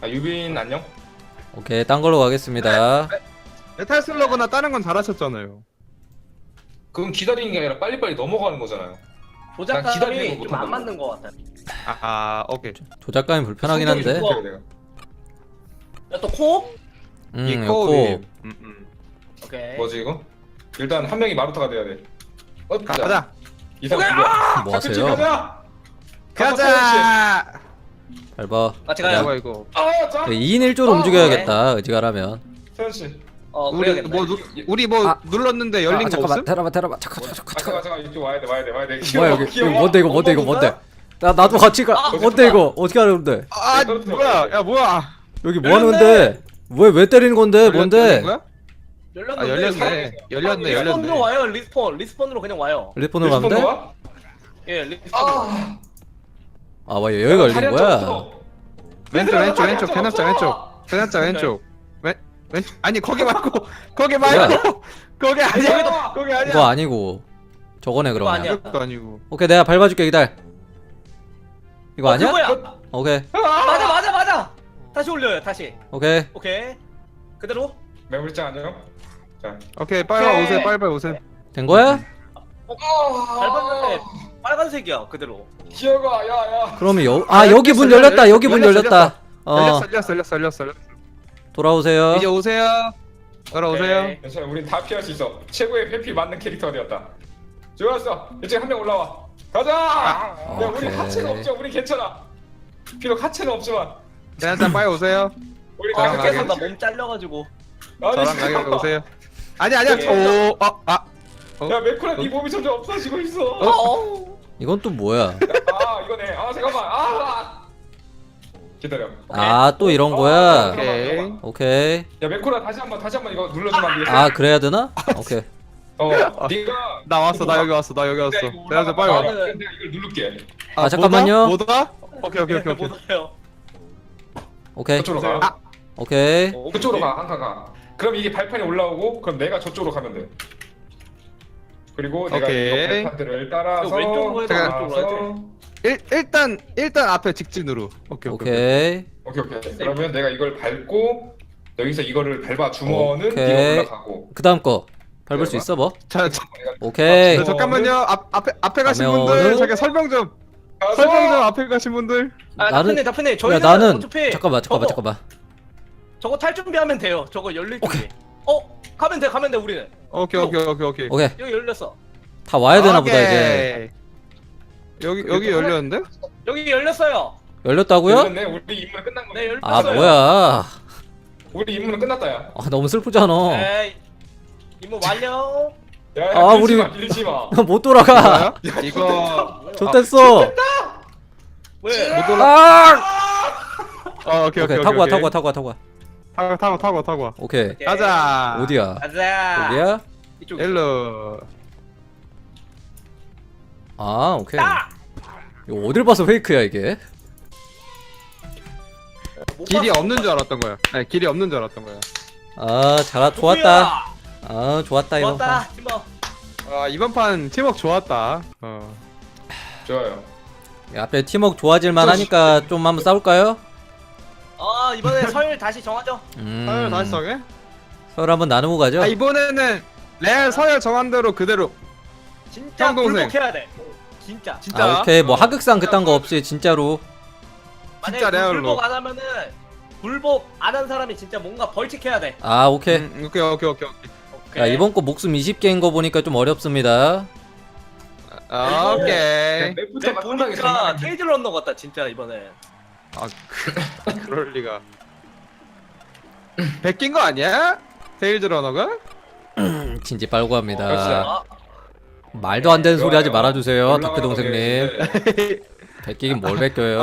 아 유빈 안녕? 오케이, 딴 걸로 가겠습니다. 메탈 슬러그나 다른 건 잘하셨잖아요. 그건 기다리는 게 아니라 빨리빨리 넘어가는 거잖아요. 난 기다리는 조작감이 거 좀 못한다고. 안 맞는 것 같아. 오케이. 조작감이 불편하긴 한데. 성격이 좋아, 내가. 야또 코업? 이 이거 코업이. 오케이. 뭐지 이거? 일단 한 명이 마루타가 돼야 돼. 가자. 이상 오케이, 누구야? 뭐 자크치 하세요? 가자. 가자. 잘 봐. 같이 가요. 뭐야 이거? 아 자. 2인 1조로 움직여야겠다. 의지가라면. 세현 씨. 우리 그래야겠다. 우리 뭐 아. 눌렀는데 열린 거 잠깐만. 없음? 테라바. 잠깐. 잠깐 이쪽 와야 돼. 뭐야 여기? 이거 뭔데 이거 뭔데? 나도 같이 가. 뭔데 이거? 어떻게 하는데? 뭐야? 야 뭐야? 여기 뭐 하는 건데? 왜 때리는 건데? 뭔데? 거야? 열렸는데. 열렸네. 리스폰으로 와요. 리스폰으로 그냥 와요. 리폰으로 가면 돼? 예, 리스폰으로. 아, 와 여기가 열린 거야? 왼쪽 대납자 왼쪽. 왼쪽 아니 거기 말고 거기 뭐야? 말고 거기 아니야. 거기 아니야. 이거 아니고 저거네 이거 그러면. 아니야. 이것도 아니고. 오케이, 내가 밟아줄게 기다려. 이거 아니야? 그거야. 오케이. 맞아. 다시 올려요. 다시. 오케이. 오케이. 그대로. 매물장 안녕. 자. 오케이 빨리 오세요. 빨리 오세요. 된 거야? 밟았는데 빨간색이야. 그대로. 기어가 야야. 그러면 여기 문 열렸다. 여기 문 열렸다. 열렸어. 돌아오세요. 이제 오세요. 돌아오세요. 오케이. 괜찮아. 우린 다 피할 수 있어. 최고의 회피 맞는 캐릭터가 되었다. 좋았어. 이제 한 명 올라와. 가자. 야 우리 오케이. 하체는 없죠. 우리 괜찮아. 비록 하체는 없지만 대납자 빨리 오세요. 우리 저랑 다 밖에서 가게. 나 몸 잘려가지고. 저랑 가게 오세요. 아니야. 야 메쿠라 네 몸이 점점 없어지고 있어. 이건 또 뭐야? 아 이거네. 아 잠깐만. 기다려. 또 이런 거야? 오케이. 오케이. 야 메쿠라 다시 한번 이거 눌러주면 안 되겠어? 아, 그래야 되나? 오케이. 네가 나 왔어. 나 여기 왔어. 대납자 빨리 와. 내가 이걸 누를게. 아, 잠깐만요. 뭐다? 오케이. 못해요. 오케이. 저쪽으로 가. 오케이. 그쪽으로 가. 한 칸 가. 그럼 이게 발판이 올라오고 그럼 내가 저쪽으로 가면 돼. 그리고 내가 오케이. 이 발판들을 따라서 왼쪽으로 해도 따라서 일단 앞에 직진으로. 오케이. 오케이. 오케이. 그러면 내가 이걸 밟고 여기서 이거를 밟아 주면은 오케이. 네가 올라가고. 그 다음 거 밟을 수 있어 뭐? 자, 오케이. 잠깐만요. 앞에 가신 가면은- 분들 잠깐 설명 좀 앞에 가신 분들. 나는- 다프네. 야, 저희는 나는 어차피 잠깐만. 저거 탈 준비하면 돼요. 저거 열릴 준비. 가면 돼 우리는. 오케이. 오케이. 여기 열렸어. 다 와야 되나 보다 이제. 여기 열렸는데? 여기 열렸어요. 열렸다고요? 열렸네. 우리 임무는 끝난 거네. 네, 열렸어요. 아, 뭐야? 우리 임무는 끝났다 야. 너무 슬프잖아. 네. 임무 완료. 야, 우리- 밀지 마. 못 돌아가. 이거 좋댔어. 왜? 오케이. 오케이, 타고 와. 타고 와. 오케이. 오케이. 가자. 어디야? 가자. 어디야? 이쪽. 일로. 아, 오케이. 아! 이거 어딜 봐서 페이크야 이게? 못 길이 봤어. 없는 줄 알았던 거야. 아니, 길이 없는 줄 알았던 거야. 좋았다. 좋았다 이거. 좋았다. 팀워. 이번 판 팀워크 좋았다. 좋아요. 앞에 팀워크 좋아질만 하니까 좀 한번 싸울까요? 이번에 설 다시 정하죠. 다시 정해? 서로 한번 나누고 가죠. 이번에는 레알 서열 정한 대로 그대로. 진짜 형 동생. 굴복해야 돼. 진짜. 진짜. 오케이. 뭐 하극상 그딴 거 없이 진짜로. 만약에 진짜 레알로. 굴복 안 하면은 굴복 안 한 사람이 진짜 뭔가 벌칙해야 돼. 오케이. 오케이. 야, 이번 거 목숨 20개인 거 보니까 좀 어렵습니다. 오케이. 맵부터가 상당히 장난 보니까 아닌데. 테이즈 런너 같다 진짜 이번에. 그럴 리가. 베낀 거 아니야? 테일즈 러너가? 진지 빨고 합니다. 그렇죠. 말도 안 되는 소리 하지 좋아요. 말아주세요, 올라가서 닥터 동생님. 네. 베끼긴 뭘 베껴요?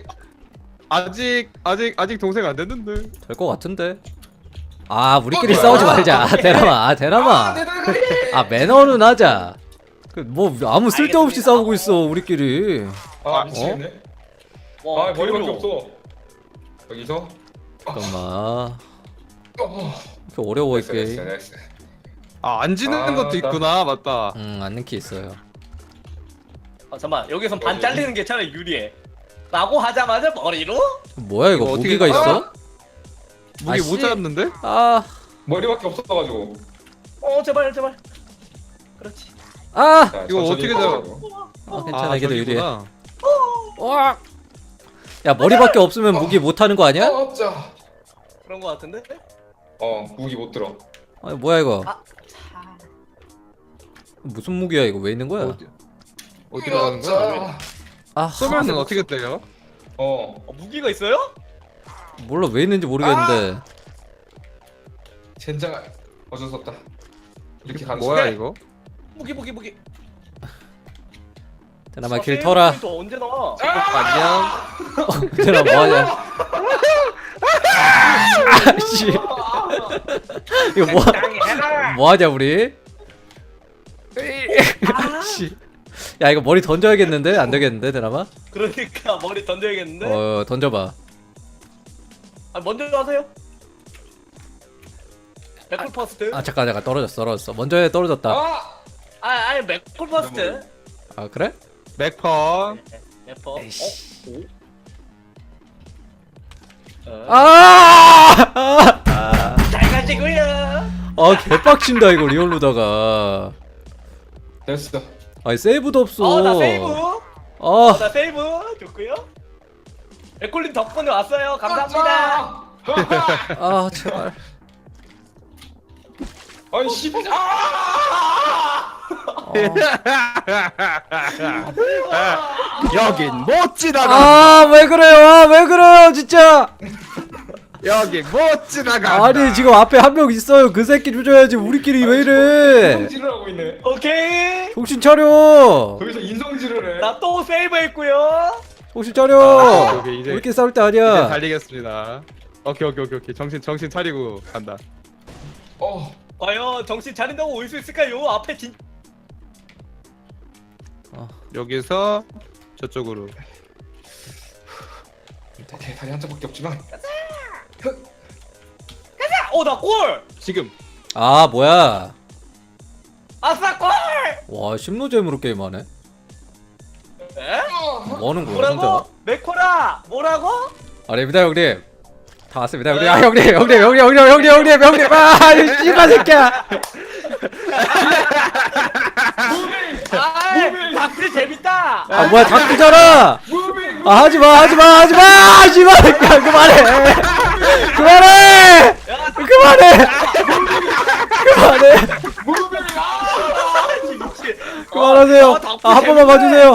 아직 동생 안 됐는데. 될 것 같은데. 우리끼리 싸우지 말자. 대람아, 대람아. 내 달걀이! 매너는 하자. 뭐 아무 쓸데없이 싸우고 있어 우리끼리. 미치겠네. 와, 머리밖에 겨울로. 없어. 여기서 잠깐만. 이렇게 어려워 이 됐어, 게임. 됐어. 안 지는 것도 있구나. 맞다. 앉는 키 있어요. 잠깐만 여기선 반 잘리는 게 차라리 유리해. 라고 하자마자 머리로? 뭐야 이거 이거 어떻게 무기가 나가? 있어? 무기 아, 못 씨. 잡는데? 아, 머리밖에 없어가지고. 제발 제발. 그렇지. 아, 자, 이거 천천히 어떻게 해가지고. 괜찮아 이게 더 유리해. 저기구나. 와, 야 머리밖에 없으면 무기 못 하는 거 아니야? 자. 그런 거 같은데? 무기 못 들어. 아니 뭐야 이거? 아, 무슨 무기야 이거 왜 있는 거야? 어디로 가는 거야? 자. 아, 쏘면은 어떻게 때려? 무기가 있어요? 몰라 왜 있는지 모르겠는데. 젠장. 어쩔 수 없다. 이렇게 가는 뭐야 순간 이거? 무기. 대나마 길 터라. 또 언제 나와? 안녕. 대나 뭐하냐? 아씨, 이거 뭐하냐 우리? 아씨, 야 이거 머리 던져야겠는데 안 되겠는데 대나마? 그러니까 머리 던져야겠는데? 던져봐. 먼저 하세요. 맥콜 퍼스트? 아 잠깐 떨어졌어. 먼저 해 떨어졌다. 아니 맥콜 퍼스트. 아 그래? 맥퍼. 맥퍼. 에이씨. 아! 아, 잘 가시고요. 개빡친다 이거 리얼로다가. 됐어. 아니 세이브도 없어. 나 세이브. 아, 나 세이브 좋고요. 맥콜님 덕분에 왔어요. 감사합니다. 아 제발. 아니 씨. 여긴 못 지나가. 아 왜 그래요? 왜 그래요 진짜? 여긴 못 지나가. 아니 지금 앞에 한 명 있어요. 그 새끼 조져야지. 우리끼리 왜 이래? 인성질을 하고 있네. 오케이. 정신 차려. 거기서 인성질을 해. 나 또 세이브했고요. 정신 차려. 오케이, 이제- 우리끼리 싸울 때 이제 아니야. 달리겠습니다. 오케이. 정신 차리고 간다. 과연 정신 차린다고 올 수 있을까요? 앞에 진. 여기서 저쪽으로. 다리 한 장밖에 없지만. 나 골. 지금. 아 뭐야? 아싸 골. 와 심노잼으로 게임하네. 에? 뭐하는 거야 혼자? 뭐라고? 맥코라. 뭐라고? 아닙니다 형님. 다 왔습니다 형님. 아 형님. 아 씨발 새끼야. 박스 재밌다. 아 뭐야 닭구잖아. 아 하지마 씨발 새끼야 그만해. 그만하세요. 한 번만 봐주세요.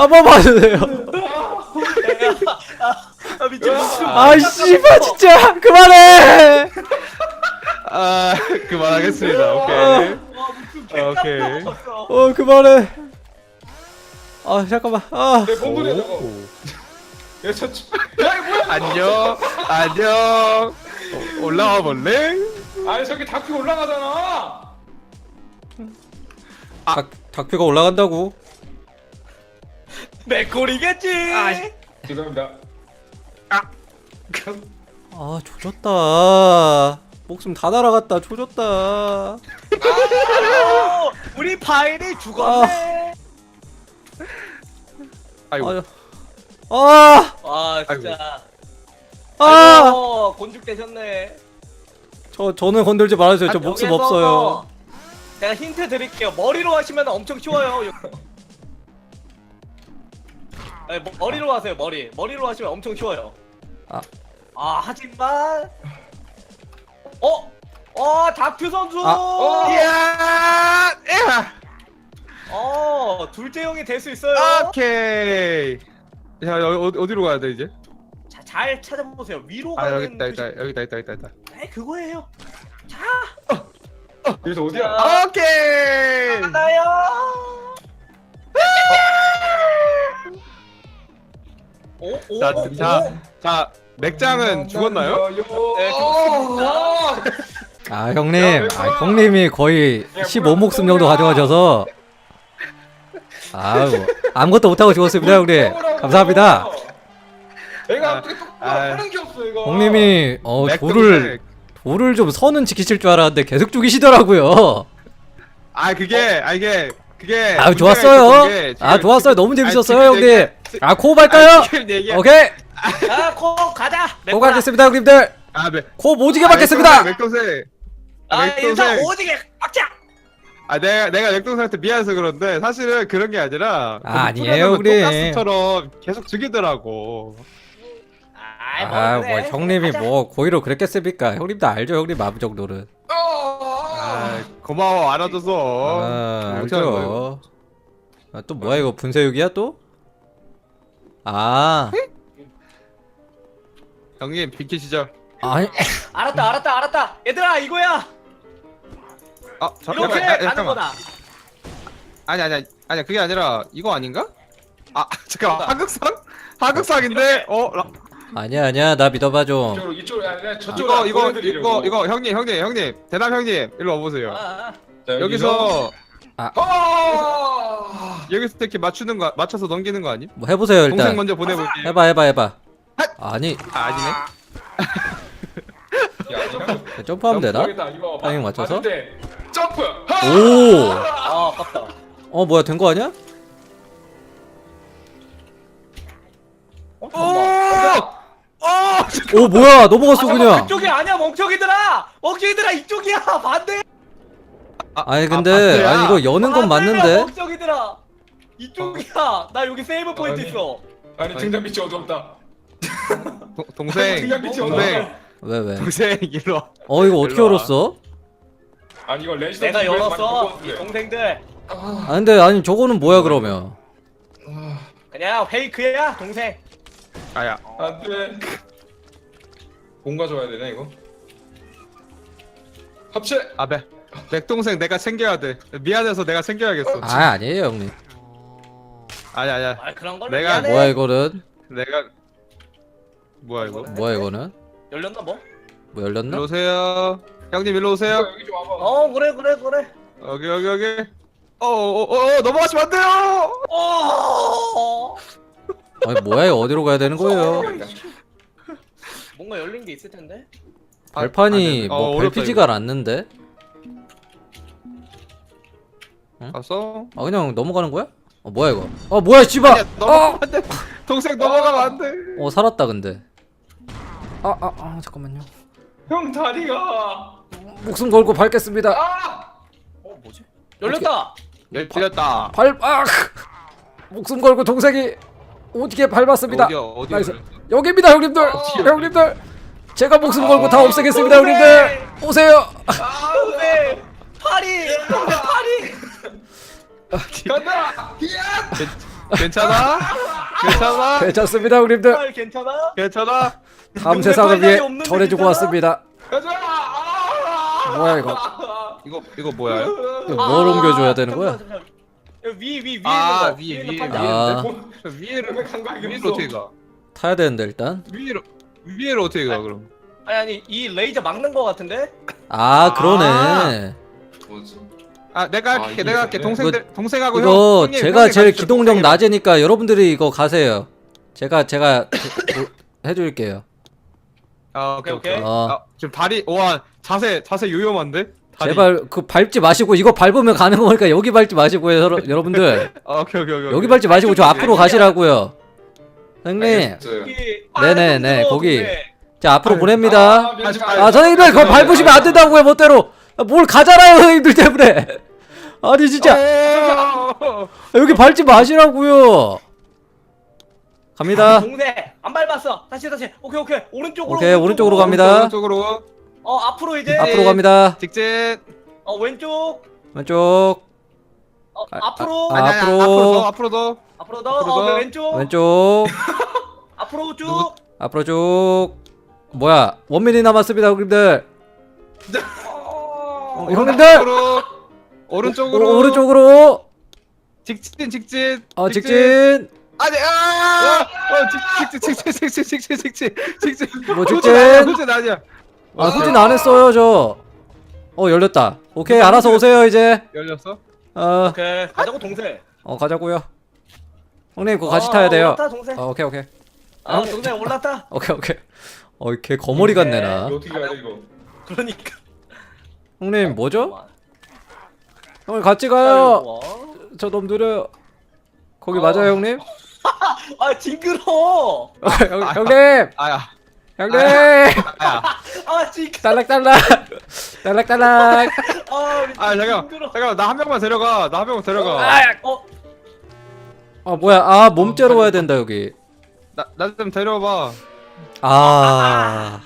미친. 아 씨발 진짜 그만해. 그만하겠습니다. 오케이. 그만해. 아 잠깐만. 아 내 몸부림 저거. 야 저. 야 이거 뭐야? 안녕. 올라와 볼래? 아니 저기 다큐 올라가잖아. 닭표가 올라간다고. 맥콜이겠지. 죄송합니다. 아 조졌다. 목숨 다 날아갔다. 조졌다. 우리 파일이 죽었네. 아이고. 진짜. 곤죽되셨네. 저는 건들지 말아주세요. 저 목숨 여기서 없어요. 제가 힌트 드릴게요. 머리로 하시면 엄청 쉬워요. 네, 머리로 하세요. 머리로 하시면 엄청 쉬워요. 하지만 다큐 선수. 이야. 둘째 형이 될 수 있어요. 오케이. 자, 어디로 가야 돼 이제? 자, 잘 찾아보세요. 위로 아, 가는 여기 있다. 네, 그거예요. 자, 여기서 어디야? 자, 오케이. 가나요? 자, 맥장은 죽었나요? 네, 죽었습니다. 아 형님. 형님이 거의 15목숨 정도 가져가셔서 아무것도 못하고 죽었습니다 형님. 감사합니다. 내가 어떻게 또 하는 게 없어 이거. 형님이 맥 돌을 좀 선은 지키실 줄 알았는데 계속 죽이시더라고요. 이게 그게 아 문제가 좋았어요. 있었던 게 아 지금 좋았어요. 너무 재밌었어요 지금 형님. 얘기해- 아 코업 할까요? 지금 얘기해. 오케이. 야코 가자. 코업 하겠습니다 형님들. 아, 코업 오지게 받겠습니다. 맥동생. 아 인사 맥동생. 오지게 빡자. 아 내가 맥동생한테 미안해서 그런데 사실은 그런 게 아니라 아니에요, 우리. 똑같처럼 계속 죽이더라고. 아 뭐 형님이 뭐 고의로 그랬겠습니까? 형님도 알죠 형님 마음 정도는. 아 고마워 알아줘서. 아 괜찮은 거예요. 알죠. 아, 또 뭐야 이거 분쇄육이야 또? 아 형님 비키시죠. 아니 알았다. 얘들아 이거야. 이렇게 가는 잠깐만. 거다. 아니 그게 아니라 이거 아닌가? 아 잠깐만 뭐다? 하극상인데 아니야 나 믿어봐 좀. 이쪽으로 아니라 저쪽으로 이거 형님 대남 형님 일로 와보세요. 아. 여기서 아! 여기서 이렇게 맞춰서 넘기는 거 아니? 뭐 해보세요 동생 일단. 먼저 보내볼게. 해봐. 아니 아니네. 점프하면 되나? 모르겠다, 이거 타이밍 맞춰서? 맞을 때 점프. 오. 아 아깝다. 어 뭐야 된 거 아니야? 오 뭐야 넘어갔어 그냥. 그쪽이 아니야 멍청이들아 이쪽이야 반대. 아니 근데 반대야? 아니 이거 여는 건 맞는데. 멍청이들아 이쪽이야. 나 여기 세이브 포인트 아니. 있어. 아니 등잔 밑이 어둡다. 동생 등잔 밑이 동생 어둡다. 왜? 동생 일로 와. 어 이거 어떻게 일로 와. 열었어? 아니 이거 레지던트 내가 이거에서 열었어. 많이 이 바꿨는데. 동생들 아 근데 아니 저거는 뭐야 그러면? 그냥 페이크야 동생. 아야 안돼. 뭔가 줘야 되네 이거. 합체. 맥동생 내가 챙겨야 돼. 미안해서 내가 챙겨야겠어. 아 아니에요 형님. 아니야 아 그런 걸 내가 미안해. 뭐야 이거는? 내가 뭐야 이거? 뭐야 이거는? 열렸나 뭐? 뭐 열렸나? 일로 오세요. 형님 일로 오세요. 여기 좀 와봐. 어 그래. 여기. 넘어가시면 안 돼요. 아니 뭐야 이거 어디로 가야 되는 거예요? 뭔가 열린 게 있을 텐데. 발판이 뭐 어렵다, 밟히지가 않는데? 봤어? 아 그냥 넘어가는 거야? 어 뭐야 이거? 어 뭐야 씨발! 넘어가면 안 돼. 동생 넘어가면 안 돼. 어 살았다 근데. 잠깐만요. 형 다리가. 목숨 걸고 밟겠습니다. 아! 뭐지? 열렸다. 틀렸다. 목숨 걸고 동생이 오지게 밟았습니다. 어디 나이스. 여기입니다 형님들. 형님들 제가 목숨 걸고 다 없애겠습니다 동생! 형님들. 오세요. 동생 파리. 동생 파리. 간다. 괜찮아? 괜찮아? 괜찮습니다 형님들. 말 괜찮아? 괜찮아? 다음 세상을 위해 팔다리 없는데 전해주고 괜찮아? 왔습니다. 가자. 아! 뭐야 이거? 이거 뭐야? 이거 뭘 옮겨줘야 되는 거야? 잠깐만. 위 있는 아, 거. 위에, 있는 위에. 판자. 아 위에를 간거 위에를 어떻게 가? 타야 되는데 일단. 위에를 어떻게 가 그럼? 아니 이 레이저 막는 거 같은데? 아 그러네. 뭐지? 내가 할게. 내가 할게. 동생하고 형. 이거 형님, 제가 형님 제일 가시죠. 기동력 동생이랑. 낮으니까 여러분들이 이거 가세요. 제가 해줄게요. 오케이. 오케이. 지금 다리 와 자세 위험한데? 다리. 제발 그 밟지 마시고 이거 밟으면 가는 거니까 여기 밟지 마시고요 여러분들. 오케이. 여기 밟지 마시고 저 앞으로 가시라고요. 형님. 알겠어요. 여기 네네네, 파란색 거기. 동생. 자 앞으로 보냅니다. 아, 선생님들 그거 밟으시면 안 된다고요 멋대로. 뭘 가잖아요 선생님들 때문에. 아니 진짜 여기 밟지 마시라고요. 갑니다. 동생 안 밟았어. 다시 오케이 오른쪽으로. 오케이 오른쪽으로 갑니다. 오른쪽으로 앞으로 이제. 앞으로 갑니다. 직진. 왼쪽. 왼쪽. 앞으로. 아, 앞으로. 앞으로 더. 앞으로 더. 앞으로 더. 왼쪽. 왼쪽. 앞으로 쭉. 누구- 앞으로 쭉. 뭐야 원민이 남았습니다 형님들. 형님들 앞으로. 오른쪽으로. 오른쪽으로. 직진. 직진. 아니 직진. 뭐 직진. 후진 아니야. 후진 안 했어요 저. 열렸다. 오케이 알아서 오세요 이제. 열렸어? 오케이 가자고 동생. 가자고요. 형님 그거 같이 타야 돼요. 올랐다 동생. 오케이. 동생 올랐다. 오케이. 걔 거머리 같네 나. 이거 어떻게 가야 돼 이거? 그러니까. 형님 뭐죠? 형님 같이 가요. 저 너무 느려요. 거기 맞아요 형님? 아 징그러. 형님! 아야. 형님! 아야. 아 징그러. 딸락딸락! 딸락딸락! 아 잠깐 나 한 명만 데려가. 나 한 명만 데려가. 아 뭐야, 아 몸째로 와야 된다 여기. 나 좀 데려봐. 아...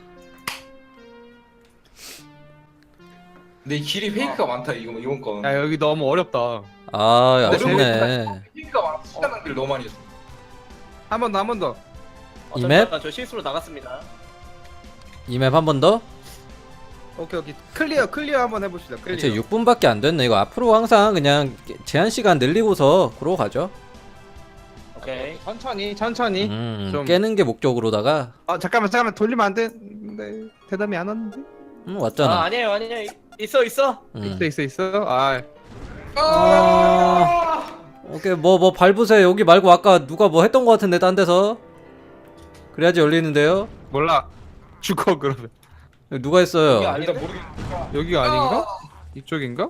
근데 이 길이 페이크가 많다 이번 건. 야 여기 너무 어렵다. 아 아쉽네. 페이크가 많아. 시간 낭비를 너무 많이 했어. 한 번 더. 이 맵? 저 실수로 나갔습니다. 이 맵 한 번 더? 오케이. 클리어 한번 해봅시다. 클리어. 대체 6분밖에 안 됐네. 이거 앞으로 항상 그냥 제한 시간 늘리고서 그러고 가죠. 오케이. 천천히. 좀- 깨는 게 목적으로다가 아 잠깐만 돌리면 안 돼. 네, 대답이 안 왔는데. 왔잖아. 아니에요. 있어. 있어. 아. 오케이 뭐 밟으세요. 여기 말고 아까 누가 뭐 했던 거 같은데 딴 데서. 그래야지 열리는데요. 몰라. 죽어 그러면. 누가 했어요? 여기 아니- 일단 모르겠어. 여기가 아닌가? 이쪽인가?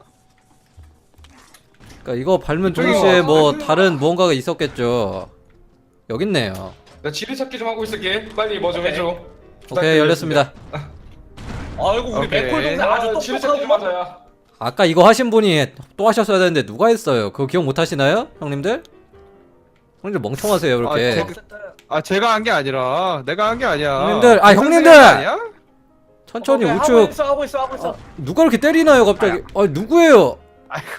그러니까 이거 밟는 동시에 뭐 다른 무언가가 있었겠죠. 여기 있네요. 나 지뢰찾기 좀 하고 있을게. 빨리 뭐 좀 오케이. 해줘. 오케이 열렸습니다. 아이고 우리 오케이. 맥콜 동생 아주 지뢰찾기 좀 똑똑하고. 하자야. 아까 이거 하신 분이 또 하셨어야 되는데 누가 했어요? 그거 기억 못 하시나요? 형님들? 형님들 멍청하세요 그렇게. 제가 한 게 아니라 내가 한 게 아니야. 형님들, 아, 그 형님들! 선생님이 아니야? 천천히 오케이, 우측. 하고 있어. 누가 이렇게 때리나요 갑자기? 누구예요? 아이고.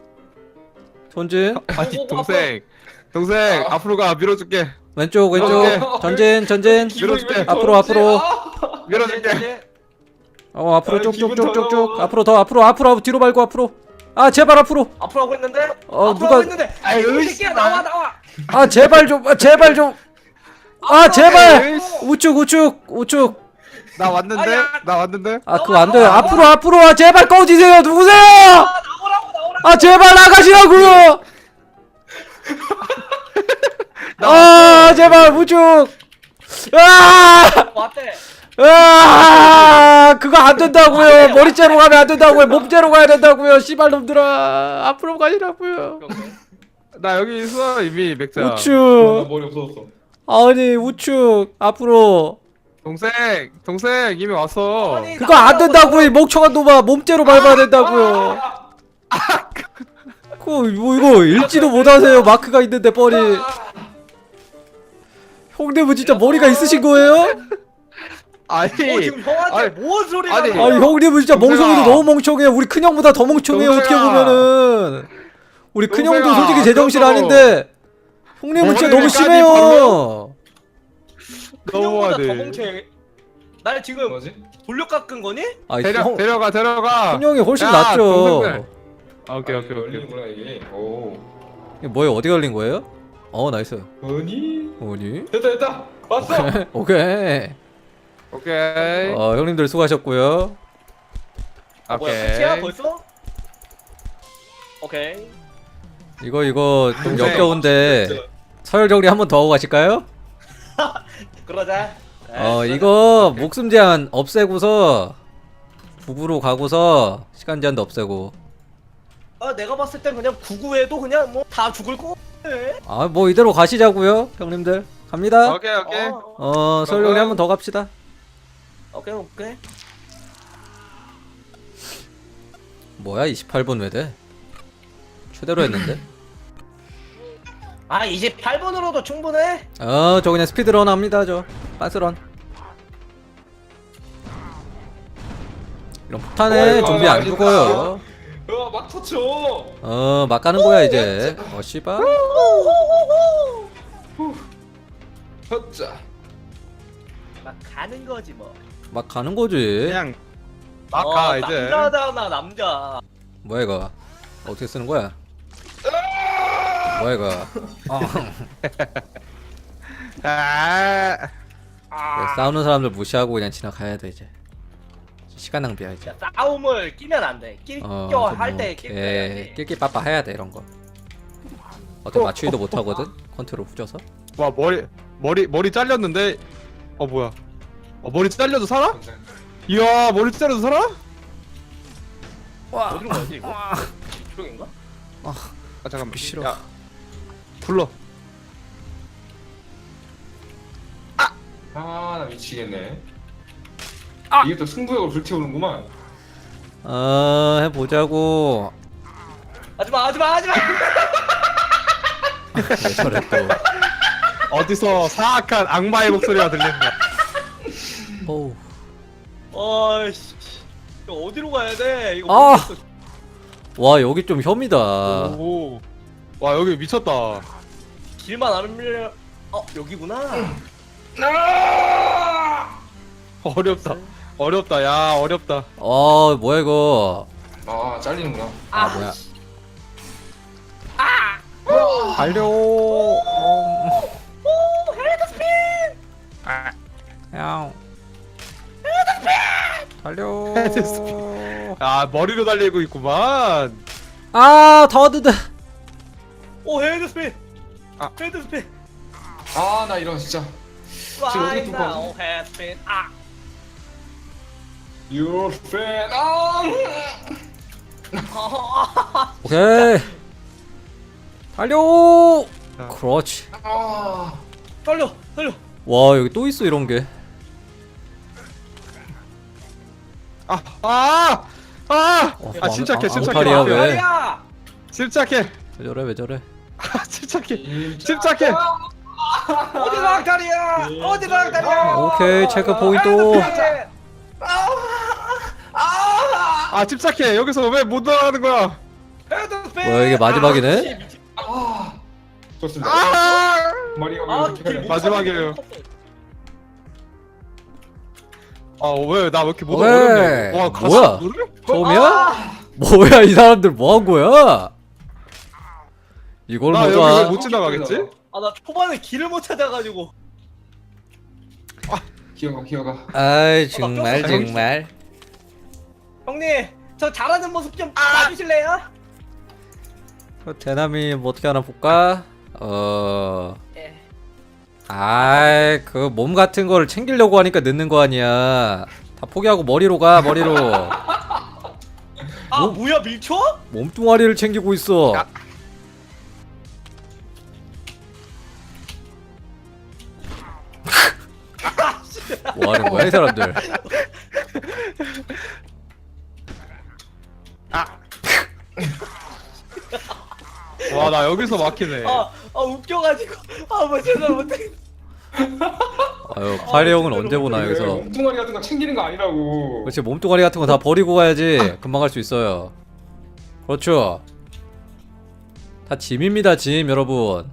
전진 아니 동생 앞으로 가 밀어줄게. 왼쪽 오케이. 전진 밀어줄게. 앞으로. 밀어줄게. 앞으로 아, 기분 쭉쭉쭉쭉쭉 더러워. 앞으로 더 앞으로 뒤로 말고 앞으로. 아 제발 앞으로. 앞으로 하고 있는데. 어, 앞으로 누가- 하고 있는데. 아유, 이 새끼야 나와. 아 제발 좀. 아 제발 우측. 나 왔는데. 아야. 아 그거 안 돼요. 앞으로. 아 제발 꺼지세요. 누구세요? 나오라고. 아 제발 나가시라고요. 아 제발 우측. 왔대. 그거 안 된다고요. 머리째로 가면 안 된다고요. 몸째로 가야 된다고요. 씨발 놈들아. 앞으로 가시라고요. 나 여기 있어 이미 맥자. 나 우측. 머리 없어졌어. 아니 우측 앞으로. 동생 이미 왔어. 아니, 그거 안 된다고요. 이 멍청한 놈아. 몸째로 밟아야 된다고요. 그거 뭐 이거 읽지도 못하세요. 마크가 있는데 뻔히. 형님은 진짜 머리가 있으신 거예요? 아니 지금 형한테 아니, 뭔 소리가 아니, 아니 형님은 진짜 동생아. 멍청이도 너무 멍청해요. 우리 큰형보다 더 멍청해요. 어떻게 동생아. 보면은 우리 큰형도 동생아, 솔직히 제정신 그래도 아닌데 형님은 진짜 너무 머리를 심해요. 큰형보다 더 너무하네. 멍청해. 날 지금 뭐지? 돌려 깎은 거니? 아 형, 데려가. 큰형이 훨씬 야, 낫죠. 동생들. 오케이. 열리는구나 이게. 오. 이게 뭐예요? 어디 걸린 거예요? 나이스. 뭐니? 어디? 됐다. 왔어. 오케이. 오케이. 형님들 수고하셨고요. 뭐야 끝이야 벌써? 오케이. 이거 좀 동생. 역겨운데 서열 정리 한 번 더 하고 가실까요? 그러자. 이거 목숨 제한 없애고서 북으로 가고서 시간 제한도 없애고. 내가 봤을 땐 그냥 구구해도 그냥 뭐 다 죽을 거 같아. 뭐 이대로 가시자고요, 형님들. 갑니다. 오케이. 서열 정리 한 번 더 갑시다. 오케이. 뭐야 28분 왜 돼? 최대로 했는데. 28분으로도 충분해. 저 그냥 스피드런 합니다. 저 빤스런. 이런 폭탄에 좀비 안 죽어요. 막 터쳐. 막 가는 거야 이제. 씨발. 헛자. 막 가는 거지 뭐. 막 가는 거지. 그냥 막 가 이제. 남자잖아 남자. 뭐야 이거? 어떻게 쓰는 거야? 뭐야 이거? 싸우는 사람들 무시하고 그냥 지나가야 돼 이제. 시간 낭비야 이제. 야, 싸움을 끼면 안 돼. 끼껴 할때 낄낄빠빠 해야 돼 이런 거. 어떻게 맞추기도 못 하거든. 컨트롤 후져서. 와 머리 잘렸는데. 뭐야? 머리 잘려도 살아? 이야 머리 잘려도 살아? 어디로 가지 이거? 이쪽인가? 아 잠깐만. 싫어. 야, 불러. 나 미치겠네. 이게 또 승부욕을 불태우는구만. 해보자고. 하지마. 왜 저래 또. 어디서 사악한 악마의 목소리가 들린다. 어우. 어이씨. 이거 어디로 가야 돼? 이거 아! 모르겠어. 와 여기 좀 혐이다. 오. 와 여기 미쳤다. 길만 안 밀려. 여기구나. 어렵다. 어렵다. 야 어렵다. 뭐야 이거. 잘리는구나. 뭐야. 달려. 형. 달려. 아 머리로 달리고 있구만. 더드드. 오 헤드 스핀. 아. 헤드 스핀. 나 이런 진짜. 지금 어디 Right 뚫고 now 헤드 스핀. Your fan. 오케이. 달려. 자. 그렇지. 달려. 와 여기 또 있어 이런 게. 침착해. 앙탈이야, 왜? 말이야. 침착해. 왜 저래. 침착해. 침착해. 어디가 악탈이야? 어디가 악탈이야? 오케이 체크 포인트. 침착해. 여기서 왜 못 나가는 거야? 헤드 스핀. 뭐야, 이게 마지막이네? 좋습니다. 머리가 길 마지막이에요. 왜 나 왜 이렇게 못 왜? 어렵냐? 와 가슴 뭐야? 노래? 처음이야? 뭐야 이 사람들 뭐 한 거야? 이걸 나 여기 뭐가? 왜 못 지나가겠지? 나 초반에 길을 못 찾아가지고. 기어가. 아이 정말 정말. 형님, 저 잘하는 모습 좀 봐주실래요? 대남이 뭐 어떻게 하나 볼까? 예. 아이 그 몸 같은 거를 챙기려고 하니까 늦는 거 아니야. 다 포기하고 머리로 가 머리로. 뭐야 밀초? 몸뚱아리를 챙기고 있어. 야. 뭐 하는 거야 이 사람들? 와 나 여기서 막히네. 웃겨가지고 뭐 제대로 못해. 아유 파리 형은 언제 보나 여기서. 몸뚱아리 같은 거 챙기는 거 아니라고. 그렇지 몸뚱아리 같은 거 다 버리고 가야지 금방 갈 수 있어요. 그렇죠. 다 짐입니다 짐 여러분.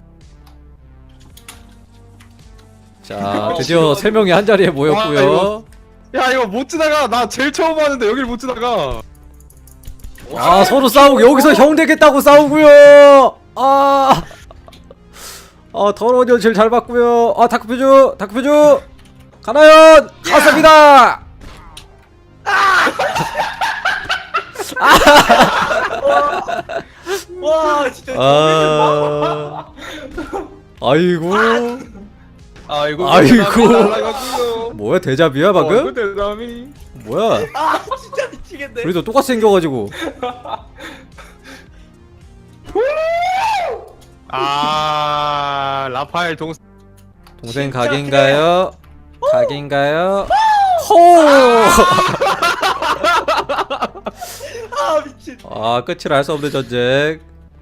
자 드디어 3명이 한 자리에 모였고요. 야 이거 못 지나가. 나 제일 처음 하는데 여길 못 지나가. 서로 싸우고 여기서 형 되겠다고 싸우고요. 더러운 년 제일 잘 봤고요. 다크표주 가나연 갔습니다. 와 진짜. 아이고 아이고. 아이고. 뭐야 데자뷰야 방금? 대담이. 뭐야? 진짜 미치겠네. 우리도 똑같이 생겨가지고. 라파엘 동생. 동생 각인가요? 각인가요? 호! 미친. 끝을 알 수 없는 전쟁.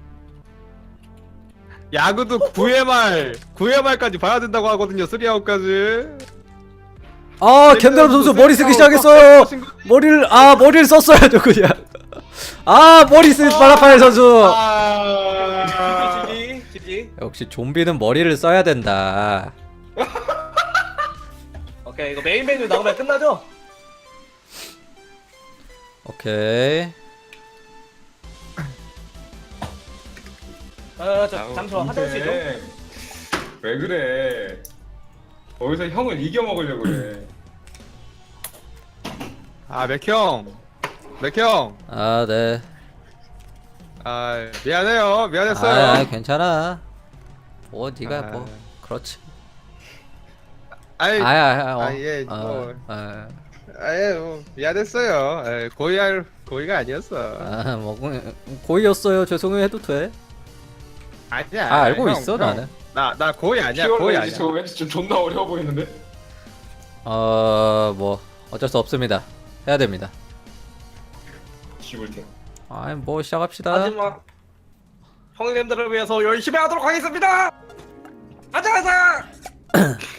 야구도 9회말까지 봐야 된다고 하거든요. 3아웃까지. 겐다람 선수 머리 쓰기 시작했어요. 머리를 썼어야죠 그냥. 머리 쓴 바라파엘 선수. 지지. 역시 좀비는 머리를 써야 된다. 오케이 이거 메인 메뉴 나오면 끝나죠? 오케이. 잠시만 화장실 좀. 왜 그래? 어디서 형을 이겨 먹으려고 그래. 맥형. 네. 미안해요. 미안했어요. 괜찮아. 네가 뭐 그렇지. 아이, 예. 미안했어요. 고의가 아니었어. 고의였어요. 죄송해요 해도 돼. 아니야. 아 알고 형, 있어 형. 나는. 나 거의 아니야. 피어 거의 왠지 아니야. 저 왠지 좀 존나 어려워 보이는데. 뭐 어쩔 수 없습니다. 해야 됩니다. 죽을 테. 아이 뭐 시작합시다. 하지만 형님들을 위해서 열심히 하도록 하겠습니다. 가자 가자.